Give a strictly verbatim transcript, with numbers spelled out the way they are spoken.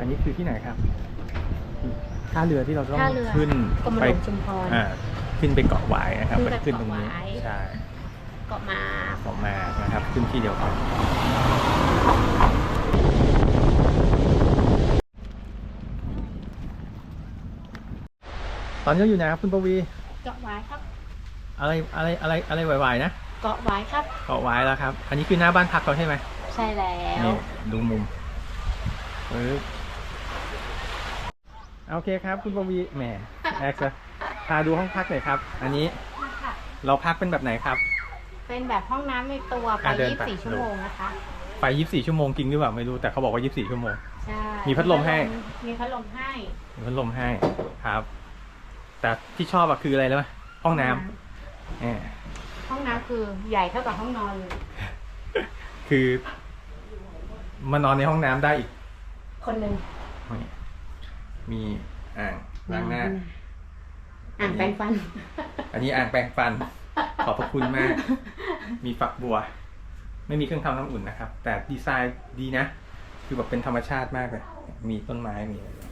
อันนี้คือที่ไหนครับท่าเรือที่เราต้องท่าเรือขึ้นกรมหไปลวงชุมพรอ่าขึ้นไปเกาะหวายนะครับขึ้นไปขึ้นตรงนี้เกาะหวายใช่เกาะมาเกาะมานะครับขึ้นที่เดียวกันตอนนี้เราอยู่ไหนครับคุณปวีเกาะหวายครับอะไรอะไรอะไรอะไรไหวๆนะเกาะหวายครับเกาะหวายแล้วครับ อันนี้คือหน้าบ้านพักเราใช่ไหมใช่แล้วนี่ดูมุมเออโอเคครับคุณปวีแหมแอกซ์พาดูห้องพักหน่อยครับ อันนี้เราพักเป็นแบบไหนครับเป็นแบบห้องน้ำในตัวไปอ่ะเดินยี่ไปสิบสี่ชั่วโมงนะคะไปยี่สิบสี่ชั่วโมงจริงหรือเปล่าไม่รู้แต่เขาบอกว่ายี่สิบสี่ชั่วโมงใช่มีพัดลมให้มีพัดลมให้มีพัดลมให้ครับ แต่ที่ชอบอะคืออะไรรู้ไหมห้องน้ำแหมห้องน้ำคือใหญ่เท่ากับห้องนอนเลยคือมานอนในห้องน้ำได้อีกคนหนึ่งนี่มีอ่างล้างหน้าอ่างแปรงฟันอันนี้อ่างแปรงฟัน ขอบพระคุณมาก มีฝักบัว ไม่มีเครื่องทำน้ำอุ่นนะครับ แต่ดีไซน์ดีนะ คือแบบเป็นธรรมชาติมากเลย มีต้นไม้มีอะไร